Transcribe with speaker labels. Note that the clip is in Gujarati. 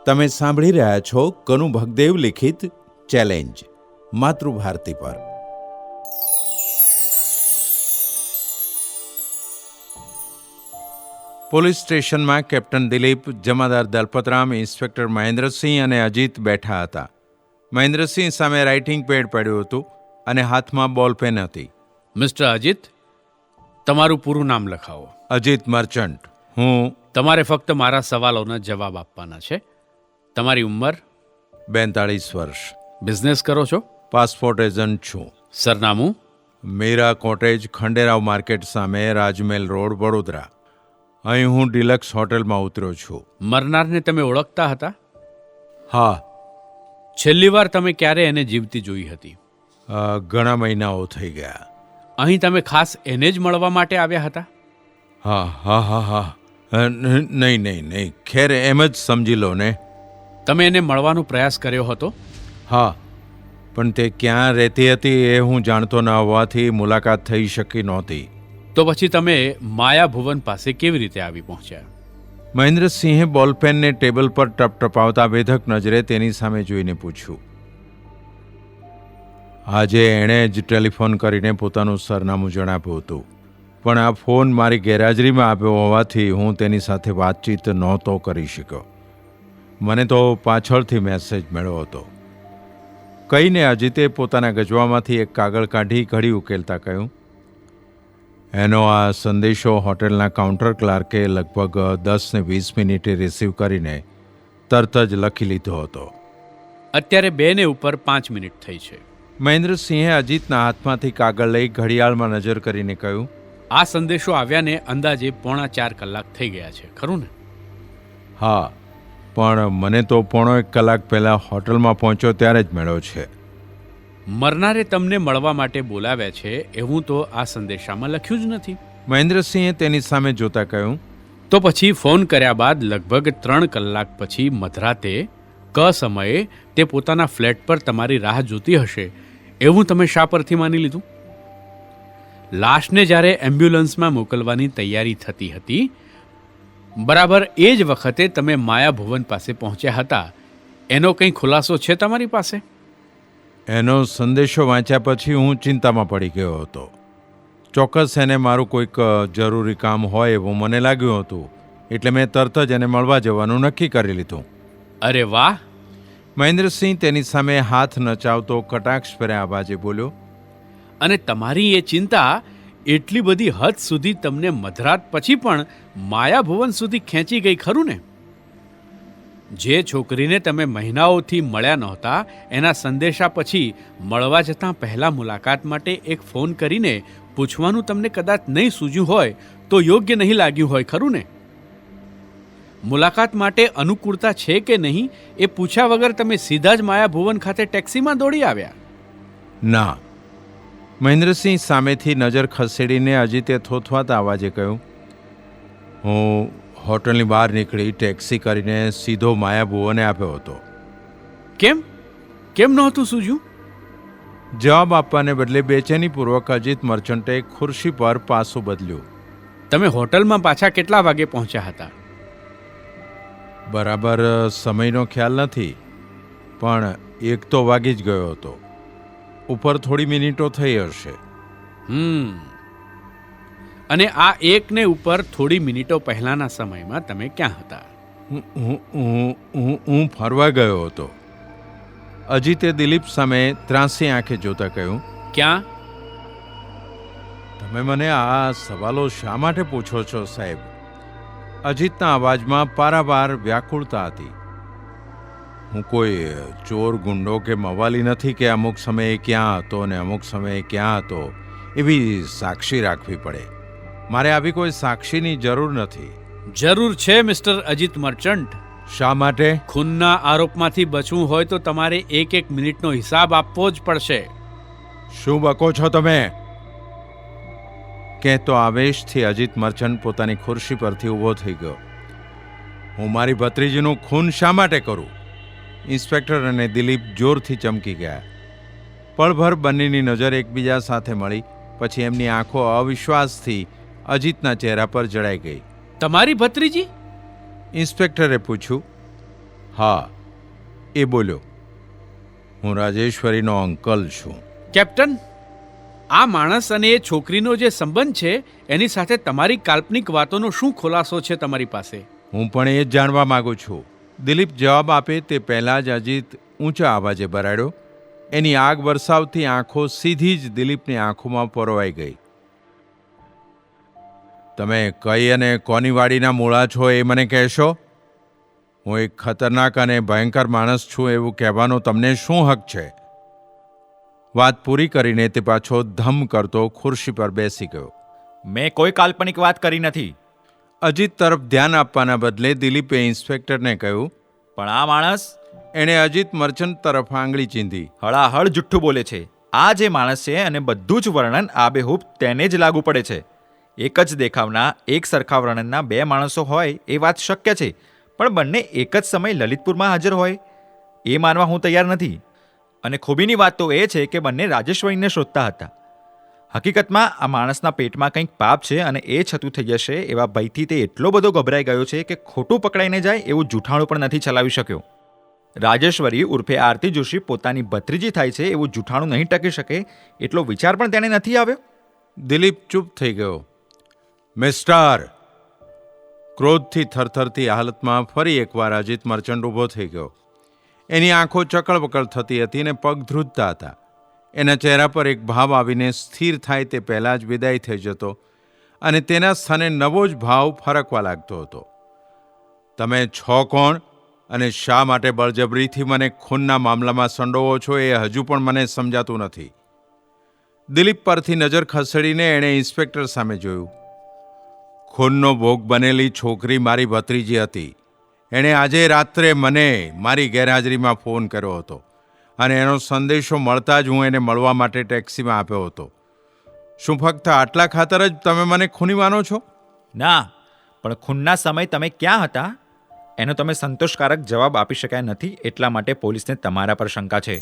Speaker 1: તમે સાંભળી રહ્યા છો કનુ ભગદેવ લિખિત ચેલેન્જ માતૃભારતી પર. પોલીસ સ્ટેશનમાં કેપ્ટન દિલીપ, જમાદાર દલપતરામ, ઇન્સ્પેક્ટર મહેન્દ્રસિંહ અને અજીત બેઠા હતા. મહેન્દ્રસિંહ સામે રાઇટિંગ પેડ પડ્યું હતું અને હાથમાં બોલપેન હતી.
Speaker 2: મિસ્ટર અજીત, તમારું પૂરું નામ લખાવો.
Speaker 1: અજીત મર્ચન્ટ. હું.
Speaker 2: તમારે ફક્ત મારા સવાલોના જવાબ આપવાના છે. તમારી ઉંમર?
Speaker 1: 42 વર્ષ.
Speaker 2: બિઝનેસ કરો છો?
Speaker 1: પાસપોર્ટ એજન્ટ છું.
Speaker 2: સરનામું?
Speaker 1: મીરા કોટેજ, ખંડેરાવ માર્કેટ સામે, રાજમહેલ રોડ, વડોદરા. અહીં હું ડિલક્સ હોટેલમાં ઉતર્યો છું.
Speaker 2: મરનારને તમે ઓળખતા હતા?
Speaker 1: હા.
Speaker 2: છેલ્લી વાર તમે ક્યારે એને જીવતી જોઈ હતી?
Speaker 1: ઘણા મહિનાઓ થઈ ગયા.
Speaker 2: અહીં તમે ખાસ એને જ મળવા માટે આવ્યા હતા?
Speaker 1: હા. નહીં. ખેર એમ જ સમજી લો ને.
Speaker 2: તમે એને મળવાનો પ્રયાસ કર્યો હતો?
Speaker 1: હા, પણ તે ક્યાં રહેતી હતી એ હું જાણતો ન હોવાથી મુલાકાત થઈ શકી નહોતી.
Speaker 2: તો પછી તમે માયા ભુવન પાસે કેવી રીતે આવી પહોંચ્યા?
Speaker 1: મહેન્દ્રસિંહે બોલપેનને ટેબલ પર ટપટપાવતા વેધક નજરે તેની સામે જોઈને પૂછ્યું. આજે એણે જ ટેલિફોન કરીને પોતાનું સરનામું જણાવ્યું હતું, પણ આ ફોન મારી ગેરહાજરીમાં આપ્યો હોવાથી હું તેની સાથે વાતચીત નહોતો કરી શક્યો. મને તો પાછળથી મેસેજ મળ્યો હતો. કહીને અજીતે પોતાના ગજવામાંથી એક કાગળ કાઢી ઘડી ઉકેલતા કહ્યું, એનો આ સંદેશો હોટેલના કાઉન્ટર ક્લાર્કે લગભગ 10 ને 20 મિનિટે રિસીવ કરીને તરત જ લખી લીધો હતો.
Speaker 2: અત્યારે 2 ને ઉપર 5 મિનિટ થઈ છે.
Speaker 1: મહેન્દ્રસિંહે અજીતના હાથમાંથી કાગળ લઈ ઘડિયાળમાં નજર કરીને કહ્યું,
Speaker 2: આ સંદેશો આવ્યાને અંદાજે 3.25 કલાક થઈ ગયા છે, ખરું ને?
Speaker 1: હા, પણ મને તો 1.5 કલાક પહેલાં હોટલમાં પહોંચ્યો ત્યારે જ મળ્યો છે.
Speaker 2: મરનારે તમને મળવા માટે બોલાવ્યા છે એવું તો આ સંદેશામાં લખ્યું જ નથી.
Speaker 1: મહેન્દ્રસિંહે તેની સામે જોતા કહ્યું,
Speaker 2: તો પછી ફોન કર્યા બાદ લગભગ 3 કલાક પછી મધરાતે સમયે તે પોતાના ફ્લેટ પર તમારી રાહ જોતી હશે એવું તમે શા પરથી માની લીધું? લાશને જ્યારે એમ્બ્યુલન્સમાં મોકલવાની તૈયારી થતી હતી, બરાબર એ જ વખતે તમે માયા ભુવન પાસે પહોંચ્યા હતા. એનો કંઈ ખુલાસો છે તમારી પાસે?
Speaker 1: એનો સંદેશો વાંચ્યા પછી હું ચિંતામાં પડી ગયો હતો. ચોક્કસ એને મારું કોઈક જરૂરી કામ હોય એવું મને લાગ્યું હતું, એટલે મેં તરત જ એને મળવા જવાનું નક્કી કરી લીધું.
Speaker 2: અરે વાહ!
Speaker 1: મહેન્દ્રસિંહ તેની સામે હાથ નચાવતો કટાક્ષભર્યા અવાજે બોલ્યો,
Speaker 2: અને તમારી એ ચિંતા એટલી બધી હદ સુધી તમને મધરાત પછી પણ માયા ભુવન સુધી ખેંચી ગઈ, ખરું ને? જે છોકરીને તમે મહિનાઓથી મળ્યા નહોતા, એના સંદેશા પછી મળવા જતાં પહેલાં મુલાકાત માટે એક ફોન કરીને પૂછવાનું તમને કદાચ નહીં સૂઝ્યું હોય તો યોગ્ય નહીં લાગ્યું હોય, ખરું ને? મુલાકાત માટે અનુકૂળતા છે કે નહીં એ પૂછ્યા વગર તમે સીધા જ માયા ભુવન ખાતે ટેક્સીમાં દોડી આવ્યા?
Speaker 1: ના. મહેન્દ્રસિંહ સામેથી નજર ખસેડીને અજીતે થોથવાતા અવાજે કહ્યું, હું હોટલની બહાર નીકળી ટેક્સી કરીને સીધો માયા ભુવને આપ્યો હતો.
Speaker 2: કેમ નહોતું સૂઝ્યું?
Speaker 1: જવાબ આપવાને બદલે બેચેનીપૂર્વક અજીત મર્ચન્ટે ખુરશી પર પાસું બદલ્યું.
Speaker 2: તમે હોટલમાં પાછા કેટલા વાગે પહોંચ્યા હતા?
Speaker 1: બરાબર સમયનો ખ્યાલ નથી, પણ 1 તો વાગી જ ગયો હતો. ઉપર થોડી મિનિટો થઈ હશે.
Speaker 2: અને આ 1 ને ઉપર થોડી મિનિટો પહેલાના સમયમાં તમે ક્યાં હતા?
Speaker 1: હું ફરવા ગયો હતો. અજીતે દિલીપ સામે ત્રાંસી આંખે જોતા કહ્યું,
Speaker 2: ક્યાં?
Speaker 1: તમે મને આ સવાલો શા માટે પૂછો છો સાહેબ? અજીતના અવાજમાં પારાવાર વ્યાકુળતા હતી. હું કોઈ ચોર, ગુંડો કે મવાલી નથી કે અમુક સમયે ક્યાં હતો ને અમુક સમયે ક્યાં હતો એવી સાક્ષી રાખવી પડે. મારે આવી કોઈ સાક્ષીની જરૂર નથી.
Speaker 2: જરૂર છે મિસ્ટર અજીત મર્ચન્ટ.
Speaker 1: શા માટે?
Speaker 2: ખૂનના આરોપમાંથી બચવું હોય તો તમારે 1 મિનિટનો હિસાબ આપવો જ પડશે.
Speaker 1: શું બકો છો તમે? કહેતો આવેશથી અજીત મર્ચન્ટ પોતાની ખુરશી પરથી ઊભો થઈ ગયો. હું મારી ભત્રીજીનું ખૂન શા માટે કરું? ઇન્સ્પેક્ટર અને દિલીપ જોરથી ચમકી ગયા. પળભર બંનેની નજર એકબીજા સાથે મળી, પછી એમની આંખો અવિશ્વાસથી અજીતના ચહેરા પર જડાઈ ગઈ.
Speaker 2: તમારી ભત્રીજી?
Speaker 1: ઇન્સ્પેક્ટરે પૂછ્યું. હા, એ બોલ્યો. હું રાજેશ્વરીનો અંકલ છું.
Speaker 2: કેપ્ટન, આ માણસ અને એ છોકરીનો જે સંબંધ છે એની સાથે તમારી કાલ્પનિક વાતોનો શું ખુલાસો છે તમારી પાસે?
Speaker 1: હું પણ એ જ જાણવા માંગુ છું. દિલીપ જવાબ આપે તે પહેલાં જ અજીત ઊંચા અવાજે બરાડ્યો. એની આગ વરસાવતી આંખો સીધી જ દિલીપની આંખોમાં પરોવાઈ ગઈ. તમે કઈ અને કોની વાડીના મૂળા છો એ મને કહેશો? હું એક ખતરનાક અને ભયંકર માણસ છું એવું કહેવાનો તમને શું હક છે? વાત પૂરી કરીને તે પાછો ધમ કરતો ખુરશી પર બેસી ગયો.
Speaker 3: મેં કોઈ કાલ્પનિક વાત કરી નથી.
Speaker 1: અજીત તરફ ધ્યાન આપવાના બદલે દિલીપે ઇન્સ્પેક્ટરને કહ્યું.
Speaker 3: પણ આ માણસ
Speaker 1: એણે અજીત મર્ચન્ટ તરફ આંગળી ચીંધી.
Speaker 3: હળાહળ જુઠ્ઠું બોલે છે. આ જે માણસ છે અને બધું જ વર્ણન આબેહૂબ તેને જ લાગુ પડે છે. એક જ દેખાવના એક સરખા વર્ણનના બે માણસો હોય એ વાત શક્ય છે, પણ બંને એક જ સમયે લલિતપુરમાં હાજર હોય એ માનવા હું તૈયાર નથી. અને ખૂબીની વાત તો એ છે કે બંને રાજેશ્વરીને શોધતા હતા. હકીકતમાં આ માણસના પેટમાં કંઈક પાપ છે અને એ છતું થઈ જશે એવા ભયથી તે એટલો બધો ગભરાઈ ગયો છે કે ખોટું પકડાઈને જાય એવું જૂઠાણું પણ નથી ચલાવી શક્યો. રાજેશ્વરી ઉર્ફે આરતી જોશી પોતાની ભત્રીજી થાય છે એવું જૂઠાણું નહીં ટકી શકે એટલો વિચાર પણ તેને નથી આવ્યો.
Speaker 1: દિલીપ ચૂપ થઈ ગયો. મિસ્ટર! ક્રોધથી થરથરતી હાલતમાં ફરી એકવાર અજીત મર્ચન્ટ ઊભો થઈ ગયો. એની આંખો ચકળબકળ થતી હતી અને પગ ધ્રુજતા હતા. એના ચહેરા પર એક ભાવ આવીને સ્થિર થાય તે પહેલાં જ વિદાય થઈ જતો અને તેના સ્થાને નવો જ ભાવ ફરકવા લાગતો હતો. તમે છો કોણ અને શા માટે બળજબરીથી મને ખૂનના મામલામાં સંડોવો છો એ હજુ પણ મને સમજાતું નથી. દિલીપ પરથી નજર ખસેડીને એણે ઇન્સ્પેક્ટર સામે જોયું. ખૂનનો ભોગ બનેલી છોકરી મારી ભત્રીજી હતી. એણે આજે રાત્રે મને મારી ગેરહાજરીમાં ફોન કર્યો હતો અને એનો સંદેશો મળતા જ હું એને મળવા માટે ટેક્સીમાં આપ્યો હતો. શું ફક્ત આટલા ખાતર જ તમે મને ખૂની માનો છો?
Speaker 3: ના, પણ ખૂનના સમય તમે ક્યાં હતા એનો તમે સંતોષકારક જવાબ આપી શક્યા નથી, એટલા માટે પોલીસને તમારા પર શંકા છે.